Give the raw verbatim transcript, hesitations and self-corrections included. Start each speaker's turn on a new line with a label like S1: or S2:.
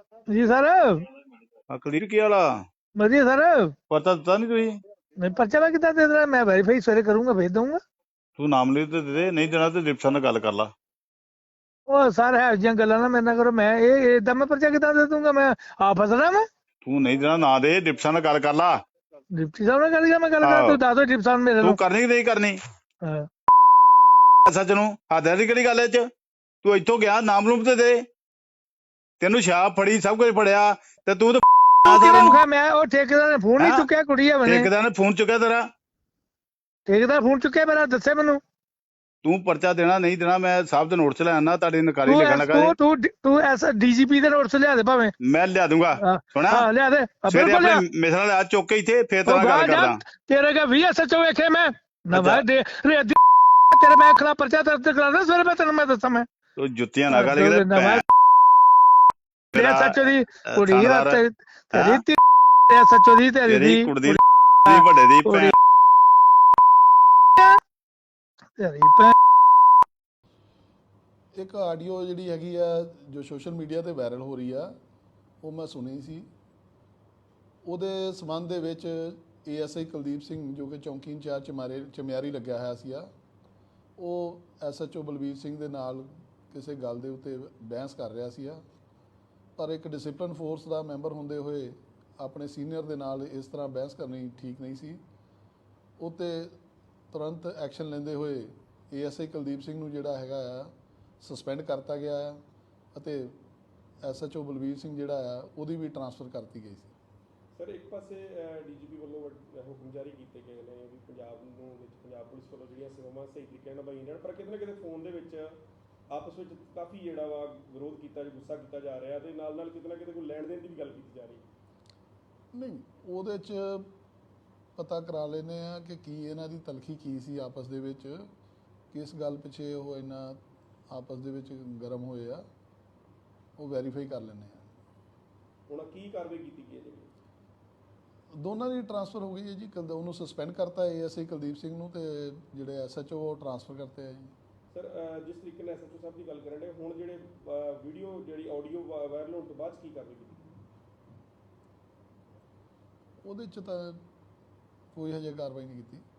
S1: ਜੀ ਸਰ।
S2: ਆ ਕੁਲਦੀਪ ਕੀ ਹਾਲ ਆ?
S1: ਵਧੀਆ ਸਰ।
S2: ਪਤਾ ਦਿੱਤਾ ਨਹੀਂ ਤੁਸੀਂ?
S1: ਨਹੀਂ ਪਰਚਾ ਮੈਂ ਕਿੱਦਾਂ ਦੇ ਦੇਣਾ? ਮੈਂ ਵੈਰੀਫਾਈ ਸਵੇਰੇ ਕਰੂੰਗਾ, ਭੇਜ ਦਊਂਗਾ।
S2: ਤੂੰ ਨਾਮ ਲਿਖ ਤੇ ਦੇ ਦੇ, ਨਹੀਂ ਦੇਣਾ ਤੇ ਡਿਪਟੀ ਨਾਲ ਗੱਲ ਕਰ ਲਾ।
S1: ਉਹ ਸਰ ਹੈ ਜਿਹੀਆਂ ਗੱਲਾਂ ਨਾ ਮੇਰੇ ਨਾਲ ਕਰੋ। ਮੈਂ ਇਹ ਏਦਾਂ ਮੈਂ ਪਰਚਾ ਕਿੱਦਾਂ ਦੇ ਦੂੰਗਾ? ਮੈਂ ਆ ਫਸਣਾ ਮੈਂ।
S2: ਤੂੰ ਨਹੀਂ ਦੇਣਾ ਨਾ ਦੇ, ਡਿਪਟੀ ਨਾਲ ਗੱਲ ਕਰ ਲਾ।
S1: ਡਿਪਟੀ ਸਾਹਿਬ ਨਾਲ ਗੱਲ ਕਰ, ਮੈਂ ਗੱਲ ਕਰਾਂ?
S2: ਆਹੋ
S1: ਤੂੰ ਦੱਸ ਦੋ ਡਿਪਟੀ ਸਾਹਿਬ ਮੇਰੇ
S2: ਤੂੰ
S1: ਨੂੰ।
S2: ਕਰਨੀ ਕਿ ਨਹੀਂ ਕਰਨੀ?
S1: ਹਾਂ।
S2: ਸੱਚ ਨੂੰ ਹੱਦ ਦੀ ਕਿਹੜੀ ਗੱਲ ਐ ਚ? ਤੂੰ ਇੱਥੋਂ ਗਿਆ, ਨਾਮ ਲੂਮ ਤੇ ਦੇ। ਤੈਨੂੰ ਸ਼ਾਪ ਫੜੀ, ਸਭ ਕੁਝ ਫੜਿਆ ਤੇ ਤੂੰ ਤਾਂ
S1: ਤੂੰ ਕਿਵੇਂ
S2: ਸਾਰਿਆਂ ਨੂੰ
S1: ਮੁਖਾ? ਮੈਂ ਉਹ ਠੇਕੇਦਾਰ ਨੇ ਫੋਨ ਨਹੀਂ
S2: ਹੈਂ?
S1: ਚੁੱਕਿਆ, ਕੁੜੀ ਆ ਬਣੇ।
S2: ਠੇਕੇਦਾਰ ਨੇ ਫੋਨ ਚੁੱਕਿਆ ਤੇਰਾ?
S1: ਠੇਕੇਦਾਰ ਫੋਨ ਚੁੱਕਿਆ ਮੇਰਾ, ਦੱਸੇ ਮੈਨੂੰ।
S2: ਤੂੰ ਪਰਚਾ ਦੇਣਾ ਨਹੀਂ ਦੇਣਾ, ਮੈਂ ਸਾਹਿਬ ਦੇ ਨੋਟ ਚ ਲੈ ਆਣਾ, ਤੁਹਾਡੀ ਨਕਾਰੀ
S1: ਤੂੰ
S2: ਲਿਖਣ
S1: ਐਸ
S2: ਲੱਗਾ ਜੀ।
S1: ਤੂੰ ਤੂੰ ਡੀ- ਤੂੰ ਐਸ ਡੀਜੀਪੀ ਦੇ ਨੋਟ 'ਚ ਲਿਆ ਦੇ ਭਾਵੇਂ।
S2: ਮੈਂ ਲਿਆ ਦੂੰਗਾ।
S1: ਹਾਂ
S2: ਸੁਣਾ,
S1: ਹਾਂ, ਲਿਆ ਦੇ। ਹਾਂ,
S2: ਸਵੇਰੇ
S1: ਬਿਲਕੁਲ
S2: ਆਪਣੇ
S1: ਲਿਆ।
S2: ਮਿਸਰਾਂ ਲਿਆ ਚੁੱਕ ਕੇ ਇੱਥੇ, ਫੇਰ ਤੇਰੇ
S1: ਉਹ
S2: ਨਾਲ ਗੱਲ
S1: ਗਾਹ ਜਾ,
S2: ਕਰਦਾ।
S1: ਤੇਰੇ ਕਾ ਵੀ ਐਸ ਐਚ ਓ ਵੇਖੇ ਮੈਂ ਨਾ
S2: ਅੱਛਾ
S1: ਮੈਂ ਦੇ ਰੇਦੀ ਤੇਰੇ ਮੈਂ ਖਿਲਾਫ ਪਰਚਾ ਦਰਜ ਕਰਾਉਣਾ ਸਵੇਰੇ। ਮੈਂ ਤੈਨੂੰ ਮੈਂ ਦੱਸਾਂ ਮੈਂ
S2: ਤੂੰ ਜੁੱਤੀਆਂ ਨਾ ਕਰ ਕਿਤੇ
S1: ਨਾ ਮੈਂ
S2: ਮੇਰਾ
S1: ਐਸ ਐਚ ਓ ਦੀ ਕੁੜੀ ਆ
S2: ਥਾਣੇਦਾਰ
S1: ਤੇ ਤੇਰੀ
S2: ਹੈਂ?
S1: ਐਸ ਐਚ ਓ ਦੀ ਤੇਰੀ
S2: ਤੇਰੀ
S1: ਦੀ
S2: ਕੁੜੀ ਦੀ ਵੱਡੇ ਦੀ ਭੈਣ।
S1: ਤੇਰੀ ਭੈਣ।
S3: ਇੱਕ ਆਡੀਓ ਜਿਹੜੀ ਹੈਗੀ ਆ ਜੋ ਸੋਸ਼ਲ ਮੀਡੀਆ ਤੇ ਵਾਇਰਲ ਹੋ ਰਹੀ ਆ, ਉਹ ਮੈਂ ਸੁਣੀ ਸੀ। ਉਹਦੇ ਸੰਬੰਧ ਦੇ ਵਿੱਚ A S I Kuldeep Singh ਜੋ ਕਿ ਚੌਂਕੀ ਇੰਚਾਰਜ ਚਮਾਰੇ ਚਮਿਆਰੀ ਲੱਗਿਆ ਹੋਇਆ ਸੀਗਾ, ਉਹ S H O Balbir Singh ਦੇ ਨਾਲ ਕਿਸੇ ਗੱਲ ਦੇ ਉੱਤੇ ਬਹਿਸ ਕਰ ਰਿਹਾ ਸੀਗਾ। ਪਰ ਇੱਕ ਡਿਸਪਲਿਨ ਫੋਰਸ ਦਾ ਮੈਂਬਰ ਹੁੰਦੇ ਹੋਏ ਆਪਣੇ ਸੀਨੀਅਰ ਦੇ ਨਾਲ ਇਸ ਤਰ੍ਹਾਂ ਬਹਿਸ ਕਰਨੀ ਠੀਕ ਨਹੀਂ ਸੀ। ਉਹ 'ਤੇ ਤੁਰੰਤ ਐਕਸ਼ਨ ਲੈਂਦੇ ਹੋਏ A S I Kuldeep Singh ਨੂੰ ਜਿਹੜਾ ਹੈਗਾ ਆ ਸਸਪੈਂਡ ਕਰਤਾ ਗਿਆ ਆ ਅਤੇ S H O Balbir Singh ਜਿਹੜਾ ਆ ਉਹਦੀ ਵੀ ਟਰਾਂਸਫਰ ਕਰਤੀ ਗਈ ਸੀ।
S4: ਸਰ, ਇੱਕ ਪਾਸੇ ਡੀਜੀਪੀ ਵੱਲੋਂ ਹੁਕਮ ਜਾਰੀ ਕੀਤੇ ਗਏ ਨੇ ਵੀ ਪੰਜਾਬ ਨੂੰ ਵਿੱਚ ਪੰਜਾਬ ਪੁਲਿਸ ਵੱਲੋਂ ਜਿਹੜੀਆਂ ਸੇਵਾਵਾਂ ਸਹੀ ਤਰੀਕੇ ਨਾਲ ਨਿਭਾਈਆਂ ਜਾਣ, ਪਰ ਕਿਤੇ ਨਾ ਕਿਤੇ ਫੋਨ ਦੇ ਵਿੱਚ ਆਪਸ ਵਿੱਚ ਕਾਫੀ ਜਿਹੜਾ ਵਾ ਵਿਰੋਧ ਕੀਤਾ, ਗੁੱਸਾ ਕੀਤਾ ਜਾ ਰਿਹਾ ਤੇ ਨਾਲ ਨਾਲ ਕਿਤੇ ਨਾ ਕਿਤੇ ਕੋਈ ਲੈਣ ਦੇਣ ਦੀ ਵੀ ਗੱਲ ਕੀਤੀ ਜਾ ਰਹੀ।
S3: ਨਹੀਂ, ਉਹਦੇ 'ਚ ਪਤਾ ਕਰਾ ਲੈਂਦੇ ਆ ਕਿ ਕੀ ਇਹਨਾਂ ਦੀ ਤਲਖੀ ਕੀ ਸੀ ਆਪਸ ਦੇ ਵਿੱਚ, ਕਿਸ ਗੱਲ ਪਿੱਛੇ ਉਹ ਇੰਨਾ ਆਪਸ ਦੇ ਵਿੱਚ ਗਰਮ ਹੋਏ ਆ, ਉਹ ਵੈਰੀਫਾਈ ਕਰ ਲੈਂਦੇ ਆ।
S4: ਹੁਣ ਕੀ ਕਾਰਵਾਈ ਕੀਤੀ ਗਈ ਹੈ ਜੀ?
S3: ਦੋਨਾਂ ਦੀ ਟਰਾਂਸਫਰ ਹੋ ਗਈ ਹੈ ਜੀ। ਕੁਲਦ ਉਹਨੂੰ ਸਸਪੈਂਡ ਕਰਤਾ A S I Kuldeep Singh ਨੂੰ, ਤੇ ਜਿਹੜੇ ਐਸ ਐਚ ਓ ਉਹ ਟਰਾਂਸਫਰ ਕਰਤੇ ਆ ਜੀ।
S4: ਸਰ, ਜਿਸ ਤਰੀਕੇ ਨਾਲ ਐਸ ਐਚ ਓ ਸਾਹਿਬ ਦੀ ਗੱਲ ਕਰਨ ਦੇ, ਹੁਣ ਜਿਹੜੇ ਵੀਡੀਓ ਜਿਹੜੀ ਆਡੀਓ ਵਾਇਰਲ ਹੋਣ ਤੋਂ ਬਾਅਦ ਕੀ ਕਾਰਵਾਈ ਕੀਤੀ?
S3: ਉਹਦੇ 'ਚ ਤਾਂ ਕੋਈ ਹਜੇ ਕਾਰਵਾਈ ਨਹੀਂ ਕੀਤੀ।